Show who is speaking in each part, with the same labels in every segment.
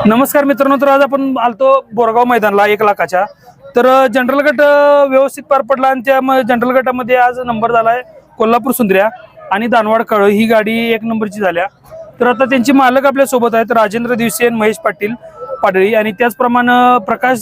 Speaker 1: नमस्कार मित्रांनो, तर आज आपण आलतो बोरगाव मैदानला 1 लाखाच्या. तर जनरल गट व्यवस्थित पार पडला आणि त्या जनरल गटामध्ये आज नंबर झालाय कोल्हापूर सुंदर्या आणि दानवाड काळ ही गाडी 1 नंबरची झाल्या. तर आता त्यांचे मालक आपल्या सोबत आहेत, राजेंद्र दिवसे आणि महेश पाटील पाडळी आणि त्याचप्रमाणे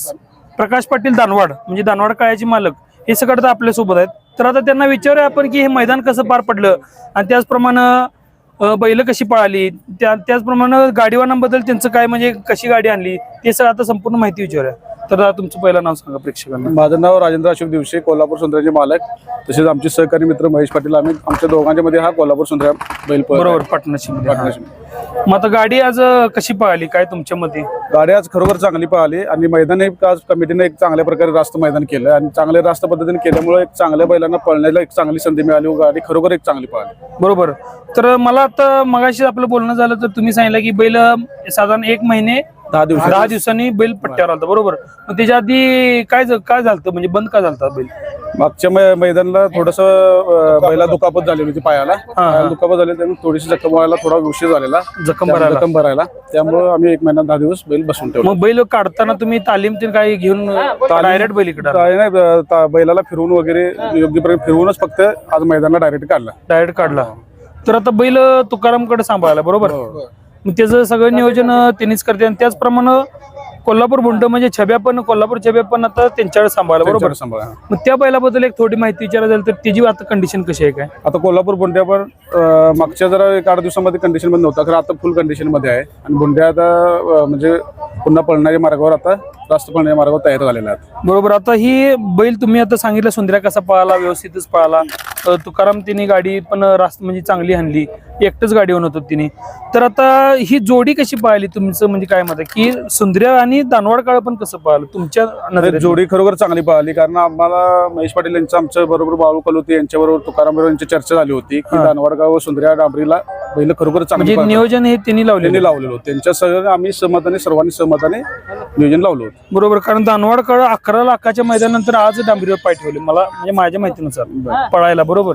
Speaker 1: प्रकाश पाटील दानवाड म्हणजे दानवाड काळ्याचे मालक हे सगळं आपल्या सोबत आहेत. तर आता त्यांना विचारूया आपण की हे मैदान कसं पार पडलं आणि त्याचप्रमाणे बैल कशी पळाली, त्याचप्रमाणे गाडीवानांबद्दल त्यांचं काय म्हणजे कशी गाडी आणली ते सगळं आता संपूर्ण माहिती विचारूया. तर तुमचं पहिलं नाव सांगा प्रेक्षकांना.
Speaker 2: माझं नाव राजेंद्र अशोक दिवसे, कोल्हापूर सुंदर्याचे मालक. तसेच आमचे सहकारी मित्र महेश पाटील. आम्ही आमच्या दोघांच्या मध्ये हा कोल्हापूर सुंदर्या बैल
Speaker 1: बरोबर पार्टनरशिप. मग आता गाडी आज कशी पळाली काय तुमच्या मध्ये?
Speaker 2: गाडी आज खरोखर चांगली पळाली आणि मैदान आज कमिटीने एक चांगल्या प्रकारे रास्त मैदान केलं आणि चांगल्या रास्त पद्धतीने केल्यामुळे एक चांगल्या बैलांना पळण्याला एक चांगली संधी मिळाली. गाडी खरोखर एक चांगली पळाली.
Speaker 1: बरोबर. तर मला आता मगाशी आपलं बोलणं झालं तर तुम्ही सांगितलं की बैल साधारण 1 महिने 10 दिवसांनी बैल पट्ट्यावर आलता. बरोबर. मग त्याच्या आधी काय झालं म्हणजे बंद का झालता बैल?
Speaker 2: मागच्या मैदानाला थोडस बैला दुखापत झाली होती, पायाला दुखापत झाली, त्यामुळे थोडीशी जखम व्हायला थोडा उशीर झालेला, जखम भरायला. त्यामुळे आम्ही 1 महिना 10 दिवस बैल बसून ठेवला.
Speaker 1: मग बैल काढताना तुम्ही तालीम काय घेऊन डायरेक्ट बैल इकडे?
Speaker 2: नाही, बैलाला फिरवून वगैरे योग्य प्रकारे फिरवूनच फक्त आज मैदानाला डायरेक्ट काढला.
Speaker 1: तर आता बैल तुकारामकडे सांभाळायला. बरोबर. मग त्याचं सगळं नियोजन त्यांनीच करते आणि त्याचप्रमाणे कोल्हापूर बुंड म्हणजे कोल्हापूर छब्या पण आता त्यांच्याकडे सांभाळला. बरोबर. मग त्या बैलाबद्दल एक थोडी माहिती विचारायला झाली तर त्याची आता कंडिशन कशी आहे काय?
Speaker 2: आता कोल्हापूर बुंड्या पण मागच्या जरा 8 दिवसामध्ये कंडिशन मध्ये नव्हता, खरं आता फुल कंडिशन मध्ये आहे आणि बुंड्या आता म्हणजे पुन्हा पळणाऱ्या मार्गावर आता रास्त पळणाऱ्या मार्गावर तयार झालेला आहे.
Speaker 1: बरोबर. आता ही बैल तुम्ही आता सांगितलं सुंदर्या कसा पळाला, व्यवस्थितच पळाला. तुकाराम तिने गाडी पण रास्त म्हणजे चांगली आणली, एकटच गाडी होत होती तिने. तर आता ही जोडी कशी पळाली तुमचं म्हणजे काय मत आहे की सुंदर्या आणि दानवाड काळ पण कसं पळालं तुमच्या नजरेत?
Speaker 2: जोडी खरोखर चांगली पळाली, कारण आम्हाला महेश पाटील यांचं आमच्या बरोबर बाळू कलोती यांच्याबरोबर तुकाराम बरोबर यांची चर्चा झाली होती की दानवाडगाव व सुंदर्या डांबरीला बैल खरोखर चांगली
Speaker 1: नियोजन हे त्यांनी लावलेलं
Speaker 2: होतं. त्यांच्या सगळं आम्ही सर्वांनी सहमताने नियोजन लावलं होतं.
Speaker 1: बरोबर. कारण दानवाड काळ 11 लाखाच्या मैदानानंतर आज डांबरीवर पाय ठेवले मला म्हणजे माझ्या माहितीनुसार पळायला. बरोबर.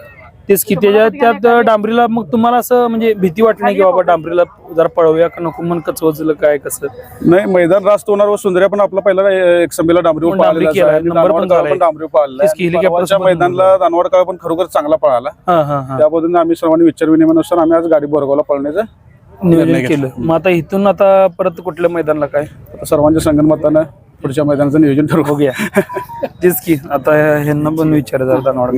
Speaker 1: तेच की त्यात डांबरीला मग तुम्हाला असं म्हणजे भीती वाटली नाही की बाबा डांबरीला जरा पळवूया का नको मन कचवजलं काय कसं?
Speaker 2: नाही, मैदान रास्त होणार व सुंदर्या पण आपला पहिला एक संबीला डांबरीवर मैदानाला दानवाड काळ पण खरोखर चांगला पळाला. त्या पद्धतीने आम्ही सर्वांनी विचार विनिमयानुसार आम्ही आज गाडी बोरगावला पळण्याचं
Speaker 1: नियोजन केलं. मग आता इथून आता परत कुठल्या मैदानाला काय
Speaker 2: सर्वांच्या संगनमतानं पुढच्या मैदानाचं नियोजन ठरवू.
Speaker 1: बघूया. तेच की आता ह्यांना पण विचारायचं दानवाड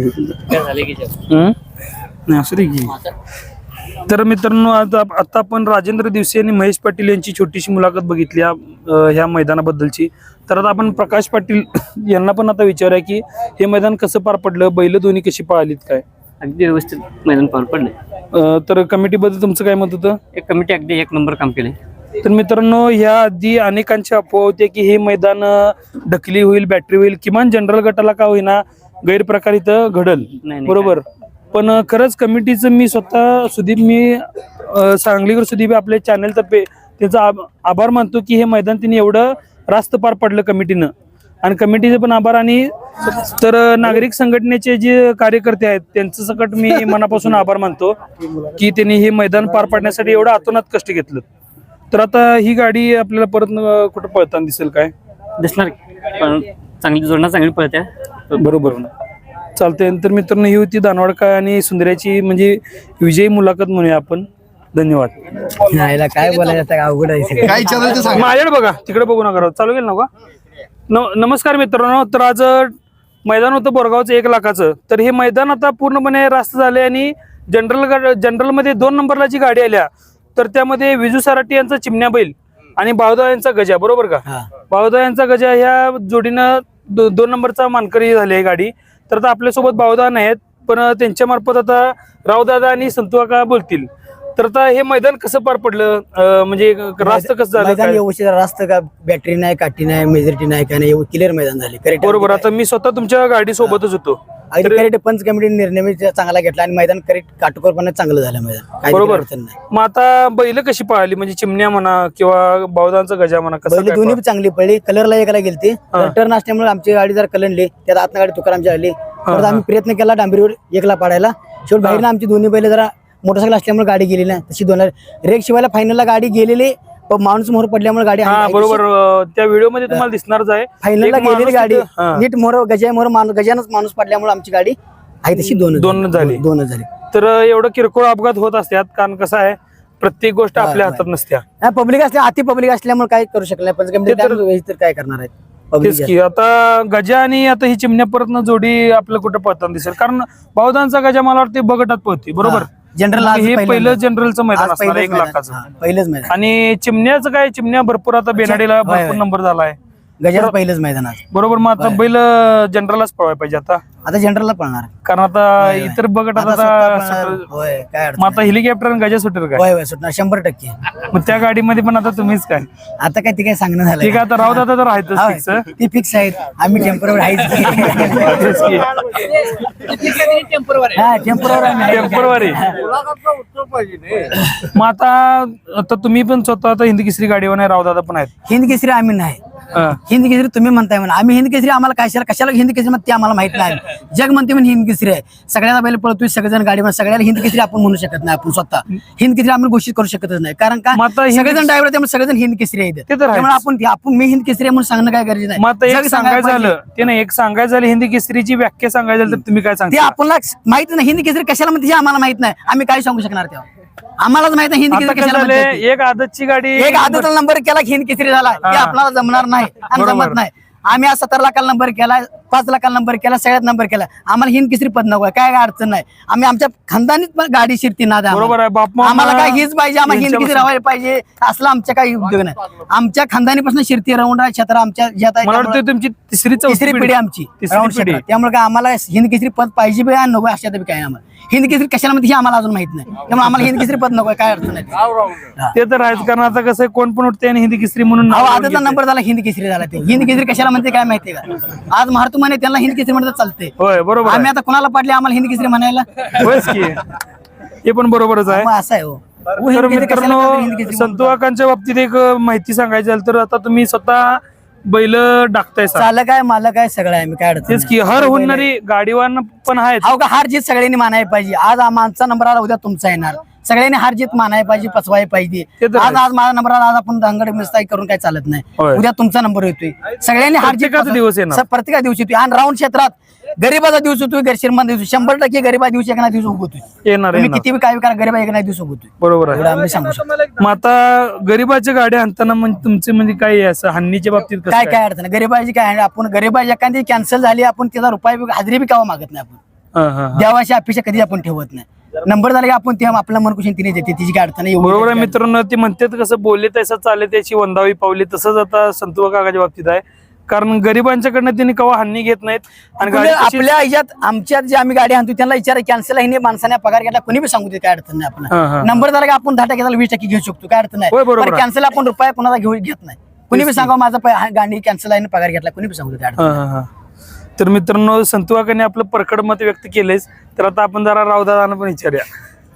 Speaker 1: असं रे की. तर मित्रांनो आता आपण राजेंद्र दिवसे आणि महेश पाटील यांची छोटीशी मुलाखत बघितली ह्या मैदानाबद्दलची. तर आता आपण प्रकाश पाटील यांना पण आता विचारूया की हे मैदान कसं पार पडलं, बैल दोन्ही कशी पळालीत काय?
Speaker 3: अगदी व्यवस्थित मैदान पार पडले.
Speaker 1: तर कमिटीबद्दल तुमचं काय मत होतं?
Speaker 3: कमिटी अगदी 1 नंबर काम केले.
Speaker 1: तर मित्रांनो ह्या आधी अनेकांची अफवा होते की हे मैदान ढकली होईल, बॅटरी होईल, किमान जनरल गटाला का होईना गैरप्रकार इथं घडल. बरोबर. पण खरंच कमिटीचं मी स्वतः सांगलीकर सुदीप आपल्या चॅनलतर्फे त्याचा आभार मानतो की हे मैदान तिने एवढं रास्त पार पडलं कमिटीनं आणि कमिटीचे पण आभार. आणि तर नागरिक संघटनेचे जे कार्यकर्ते आहेत त्यांचं सकट मी मनापासून आभार मानतो की त्यांनी हे मैदान पार पाडण्यासाठी एवढं अतोनात कष्ट घेतलं. तर आता ही गाडी आपल्याला परत कुठं पळताना दिसेल काय?
Speaker 3: दिसणार पण चांगली जोडणार, चांगली पळत्या.
Speaker 1: बरोबर. चालतंय. तर मित्रांनो ही होती दानवाड काळ आणि सुंदर्याची म्हणजे विजयी मुलाखत म्हणूया आपण. धन्यवाद.
Speaker 4: काय बोलायचं अवघड आहे.
Speaker 1: माझ्याकडे बघा, तिकडे बघू नका. चालू केलं नका. नमस्कार मित्रांनो. तर आज मैदान होतं बोरगावचं 1 लाखाचं. तर हे मैदान आता पूर्णपणे रास्त झाले आणि जनरलमध्ये 2 नंबरला जी गाडी आल्या तर त्यामध्ये विजू सराटी यांचा चिमण्या बैल आणि बावदा यांचा गजा. बरोबर का? बावदा यांचा गजा ह्या जोडीनं 2 नंबरचा मानकरी झाली आहे गाडी. तर आता आपल्यासोबत बावदा नाहीत पण त्यांच्या मार्फत आता रावदादा आणि संतुकाका बोलतील. तर आता हे मैदान कसं पार पडलं म्हणजे रास्त कसं झालं?
Speaker 4: व्यवस्थित रास्त का बॅटरी नाही, काठी नाही, मेजॉरिटी नाही, काय नाही, क्लिअर मैदान झाले.
Speaker 1: बरोबर. आता मी स्वतः तुमच्या गाडी सोबतच होतो.
Speaker 4: करेक्ट पंच कमिटीने निर्णय चांगला घेतला आणि मैदान करेक्ट काटकोरपणे चांगलं झालं मैदान.
Speaker 1: बरोबर. मग आता बैल कशी पळाली म्हणजे चिमण्या म्हणा किंवा बावदांचा गजा म्हणा कसं?
Speaker 4: दोन्ही चांगली पळली. कलरला एकाला गेलती, टर्न असल्यामुळे आमची गाडी जर कलनली त्यात आतनं गाडी तुकारामची आली. आम्ही प्रयत्न केला डांबरीवर 1ला पाडायला. शेवट बाहेरनं आमची दोन्ही बैल जरा मोटरसायकल असल्यामुळे गाडी गेली ना तशी 2 रेक शिवायला फायनलला गाडी गेलेली माणूस मोहर पडल्यामुळे गाडी
Speaker 1: हा बरोबर त्या व्हिडिओ मध्ये तुम्हाला दिसणारच आहे
Speaker 4: फायनलला
Speaker 1: एक
Speaker 4: गेलेली
Speaker 1: माणूस
Speaker 4: गाडी
Speaker 1: तिथं- हा.
Speaker 4: नीट मोहर गजानच माणूस पडल्यामुळे आमची गाडी आहे तशी दोनच झाली.
Speaker 1: तर एवढं किरकोळ अपघात होत असतात कारण कसं आहे प्रत्येक गोष्ट आपल्या हातात नसत्या
Speaker 4: पब्लिक असल्या अति पब्लिक असल्यामुळे काय करू शकत नाही पण काय करणार आहेत
Speaker 1: तेच की आता गजा आणि आता ही चिमण्या परत जोडी आपल्याला कुठं पळताना दिसेल कारण बहुधांचा गजा मला वाटते बगटात पळते बरोबर
Speaker 4: जनरल
Speaker 1: हे पहिलं जनरलचं मैदान असणार 1 लाखाचं
Speaker 4: पहिलंच मैदान
Speaker 1: आणि चिमण्याचं काय चिमण्या भरपूर आता बेनाडीला भरपूर नंबर झालाय
Speaker 4: गजाचं पहिलंच मैदान आज
Speaker 1: बरोबर मग आता बैल जनरललाच पळवायला पाहिजे आता
Speaker 4: जनरलला पळणार
Speaker 1: कारण आता इतर बगटात आता
Speaker 4: होय काय
Speaker 1: मग आता हेलिकॉप्टर आणि गजा सुटेल काय
Speaker 4: होय सुटणार 100%.
Speaker 1: मग त्या गाडीमध्ये पण आता तुम्हीच काय
Speaker 4: आता काय ते काय सांगणं झालं
Speaker 1: ठीक आहे आता राहू दादा तर आहेतच fix.
Speaker 4: ती फिक्स आहेत आम्ही टेम्परवर
Speaker 1: तेच की. टेम्परवारी मग आता तुम्ही पण स्वतः आता हिंदी केसरी गाडीवर नाही राहू दादा पण आहेत
Speaker 4: हिंद केसरी आम्ही नाही
Speaker 1: हा.
Speaker 4: हिंद केसरी तुम्ही म्हणताय म्हणा आम्ही हिंद केसरी आम्हाला कशाला हिंद केसरी म्हणते ते आम्हाला माहित नाही जग म्हणते म्हणून हिंद केसरी आहे सगळ्याला बैल पळतोय सगळेजण गाडीवर सगळ्याला हिंद केसरी आपण म्हणू शकत नाही आपण स्वतः हिंद केसरी आम्ही घोषित करू शकतच नाही कारण का
Speaker 1: मग आता
Speaker 4: सगळेजण ड्रायव्हर त्यामुळे सगळेजण हिंद केसरी आहेत
Speaker 1: ते तर आहेच.
Speaker 4: त्यामुळे आपण मी हिंद केसरी आहे म्हणून सांगणं काय गरजेचं
Speaker 1: मग आता
Speaker 4: नाही
Speaker 1: एक
Speaker 4: जग
Speaker 1: सांगायचं
Speaker 4: पाहिजे.
Speaker 1: झालं ते नाही एक सांगायचं झालं हिंदी केसरीची व्याख्या सांगायचं झालं तर तुम्ही काय
Speaker 4: ते
Speaker 1: सांगता
Speaker 4: आपल्याला माहित नाही हिंद केसरी कशाला म्हणते हे आम्हाला माहित नाही आम्ही काय सांगू शकणार तेव्हा आम्हालाच माहित नाही हिंद
Speaker 1: आता
Speaker 4: केसरी
Speaker 1: काय
Speaker 4: कशाला
Speaker 1: झालंय
Speaker 4: म्हणतात ते.
Speaker 1: एक आदतची गाडी
Speaker 4: एक आदतला नंबर केला की हिंद केसरी झाला ते आपल्याला जमणार नाही आणि
Speaker 1: बरोबर.
Speaker 4: जमत नाही आम्ही आज 17 लाखाला नंबर केला 5 लाखाला नंबर केला सगळ्यात नंबर केला आम्हाला हिंद केसरी पद नको काय अडचण नाही आम्ही आमच्या खानदानीत पण गाडी शिरती ना
Speaker 1: बरोबर आहे बाप
Speaker 4: आम्हाला काय हीच पाहिजे आम्हाला हिंद केसरी राहायला पाहिजे असला आमच्या काही उद्योग नाही आमच्या खानदानीपासून शिरती राऊंड क्षेत्र आमच्या ज्यात आहे
Speaker 1: मला
Speaker 4: त्यामुळे
Speaker 1: वाटतं तुमची तिसरी
Speaker 4: तिसरी पिढी आमची
Speaker 1: तिसरी
Speaker 4: राऊंड
Speaker 1: पिढी.
Speaker 4: क्षेत्रात. त्यामुळे काय आम्हाला हिंद केसरी पद पाहिजे बी आणि नको अशा बी काय आम्हाला हिंद केसरी कशाला म्हणते हे आम्हाला अजून माहित नाही त्यामुळे आम्हाला हिंद केसरी पद नको काय अडचण नाही
Speaker 1: ते तर आहेच कारण आता कसं आहे, कोण पण उठते आणि हिंदी केसरी म्हणून नाव
Speaker 4: अहो
Speaker 1: लावून
Speaker 4: आजचा
Speaker 1: घेते.
Speaker 4: नंबर झाला हिंद केसरी झाला ते हिंद केसरी कशाला म्हणते काय माहितीये का आज महाराष्ट्र म्हणे त्यांना हिंद केसरी म्हणतात चालते
Speaker 1: होय बरोबर
Speaker 4: आम्ही आता कोणाला पाडले आम्हाला हिंद केसरी म्हणायला
Speaker 1: आहे. होयच की हे पण बरोबरच आहे
Speaker 4: मग असं आहे हो
Speaker 1: तर
Speaker 4: हिंद केसरी कशाला
Speaker 1: मित्रांनो
Speaker 4: म्हणतात हिंद केसरी म्हणतात?
Speaker 1: संतवाकांच्या बाबतीत एक माहिती सांगायची झाली तर आता तुम्ही स्वतः बैल डाकताय सा.
Speaker 4: चालक आहे मालक आहे सगळं आहे मी काय अडचण
Speaker 1: तेच की हर होणारी गाडीवान पण आहेत
Speaker 4: अहो का हार जीत सगळ्यांनी मानायला पाहिजे आज आमचा नंबर आला उद्या तुमचा येणार सगळ्यांनी हार जीत मानायला पाहिजे पचवायला पाहिजे
Speaker 1: ते तर
Speaker 4: आज माझा नंबर आला आज आपण दांगड मिस्ताई करून काय चालत नाही
Speaker 1: होय.
Speaker 4: उद्या तुमचा नंबर येतोय सगळ्यांनी हार जीत
Speaker 1: प्रत्येकाचा दिवस येणार.
Speaker 4: प्रत्येका दिवशी येतोय आणि राऊंड क्षेत्रात गरीबाचा दिवस होतोय श्रीमंत दिवस 100% गरीबा दिवशी एक ना दिवस उगवतोय
Speaker 1: येणार
Speaker 4: तुम्ही
Speaker 1: येणार
Speaker 4: किती बी काय करा गरीबा एक ना दिवस उगवतोय
Speaker 1: बरोबर
Speaker 4: एवढं
Speaker 1: आहे
Speaker 4: आम्ही सांगू शकतो
Speaker 1: मग आता गरीबाच्या गाड्या आणताना म्हणजे तुमचे म्हणजे काय आहे असं हानीच्या बाबतीत कसं
Speaker 4: काय काय अडचण गरीबाची काय आपण गरीबाची एखादी कॅन्सल झाली आपण त्याचा रुपये हजेरी बी कावा मागत नाही आपण
Speaker 1: हा, हा, हा.
Speaker 4: देवाची अपेक्षा कधी आपण ठेवत नाही नंबर झाला की आपण तेव्हा आपला मन कुशन तिने देते तिची काय अडचण नाही एवढी
Speaker 1: बरोबर आहे मित्रांनो ते म्हणतात कसं बोलले तसं चालले त्याची वंदावी पावली तसंच आता संतुवा काकाच्या बाबतीत आहे कारण गरिबांच्याकडनं त्यांनी कवा हानी घेत नाहीत आणि गाडी
Speaker 4: आपल्या
Speaker 1: कशी-
Speaker 4: आपल्या ह्याच्यात आमच्यात जे आम्ही गाडी आणतो त्यांना विचार कॅन्सल आहे माणसाने पगार घेतला कोणी बी सांगू दे काय अडचण नाही
Speaker 1: हा, हा.
Speaker 4: आपण नंबर झाला की आपण 10% 20% घेऊ शकतो काय अडचण
Speaker 1: होय, बरोबर
Speaker 4: नाही
Speaker 1: आहे.
Speaker 4: कॅन्सल आपण रुपये कोणाला घेऊ घेत नाही कुणी बी सांगा माझा गाडी कॅन्सल आहे आणि पगार घेतला कुणी बी सांगू दे काय अडचण
Speaker 1: हा, हा, हा. तर मित्रांनो संतुवाकाने आपलं परखड मत व्यक्त केलंच तर आता आपण जरा रावदादांना पण विचारूया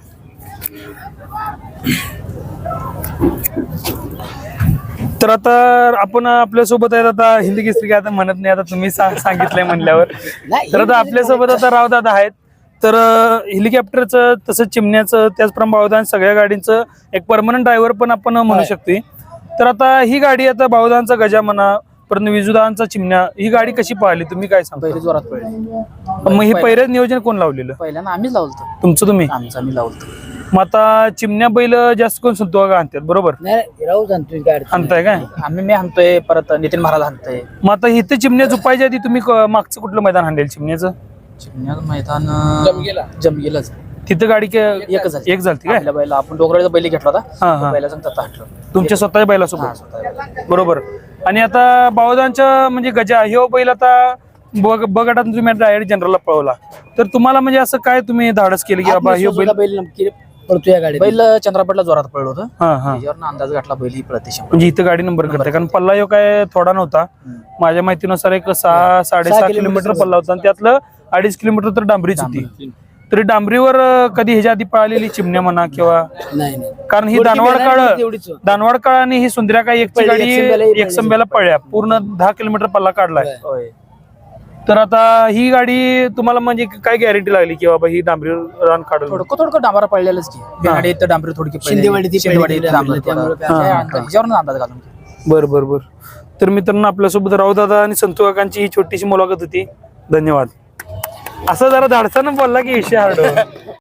Speaker 1: तर आता आपण आपल्यासोबत आहेत आता हिंदी केसरी काय आता म्हणत नाही आता तुम्ही सांगितलंय म्हणल्यावर
Speaker 4: नाही,
Speaker 1: तर आता आपल्यासोबत आता रावदादा आहेत तर हेलिकॉप्टरचं तसंच चिमण्याचं त्याचप्रमाणे बावधान सगळ्या गाडींचं एक परमनंट ड्रायव्हर पण आपण म्हणू शकते तर आता ही गाडी आता बावधानचा गजा म्हणा परंतु विजुदांचा चिमण्या ही गाडी कशी पाहिली तुम्ही काय सांगता
Speaker 5: पहिले जोरात पडले
Speaker 1: मग हे पहिल्याच नियोजन कोण लावलेलं
Speaker 5: पहिल्यांदा आम्हीच लावलतो
Speaker 1: तुमचं तुम्ही
Speaker 5: आमचं आम्ही लावलतो
Speaker 1: मग आता चिमण्या बैल जास्त कोण संतुवाका आणतात बरोबर
Speaker 4: नाही राहू जाणतोय काय अडचण
Speaker 1: आणताय काय
Speaker 5: आम्ही मी आणतोय परत नितीन महाराज आणतोय
Speaker 1: मग आता इथे चिमण्या झुपायच्या आधी तुम्ही मागचं कुठलं मैदान हाणलेल चिमण्याचं
Speaker 5: चिमण्याचं मैदान जमगेलाच
Speaker 1: तिथं गाडी
Speaker 5: एकच झाली.
Speaker 1: एक झाली काय
Speaker 5: आपल्या बैला आपण डोंगराचा बैल घेतला
Speaker 1: हा, हा.
Speaker 5: होता बैला सांगता हटलो
Speaker 1: तुमच्या स्वतःच्या बैलासोबत बरोबर आणि आता बावधानच्या म्हणजे गजा ह्यो बैल आता बगटात तुम्ही डायरेक्ट जनरलला पळवला तर तुम्हाला म्हणजे असं काय तुम्ही धाडस केलं की बाबा ह्यो बैल
Speaker 4: बैल नक्की पडतो या गाडी
Speaker 5: बैल चंद्रापटला जोरात पडलो होतं
Speaker 1: हा हा
Speaker 5: त्याच्यावर अंदाज घातला बैल ही प्रदेश
Speaker 1: म्हणजे इथं गाडी नंबर करते कारण पल्ला ह्यो काय थोडा नव्हता माझ्या माहितीनुसार एक 6-6.5 किलोमीटर पल्ला होता आणि त्यातलं 2.5 किलोमीटर तर डांबरीच होती तरी डांबरीवर कधी ह्याच्या आधी पळालेली चिमण्या म्हणा किंवा
Speaker 4: नाही नाही
Speaker 1: कारण ही दानवाड काळ आणि ही सुंदर्या काय एकची गाडी एकसंब्याला पळल्या पूर्ण 10 किलोमीटर पल्ला काढलाय
Speaker 5: होय
Speaker 1: तर आता ही गाडी तुम्हाला म्हणजे काय गॅरंटी लागली की बाबा ही डांबरी रान काढून
Speaker 5: थोडं डांबरा पडलेलंच की बेनाडी इथं डांबरी थोडी
Speaker 4: शिंदेवाडी ती
Speaker 5: शिंदेवाडी
Speaker 4: पहिली
Speaker 5: डांबरी
Speaker 4: त्यामुळे
Speaker 5: ह्याच्यावरून अंदाज घालून की.
Speaker 1: बर तर मित्रांनो आपल्यासोबत रावदादा आणि संतू काकांची ही छोटीशी मुलाखत होती. धन्यवाद. असं जरा धाडसानं बोलला की विषय हार्ड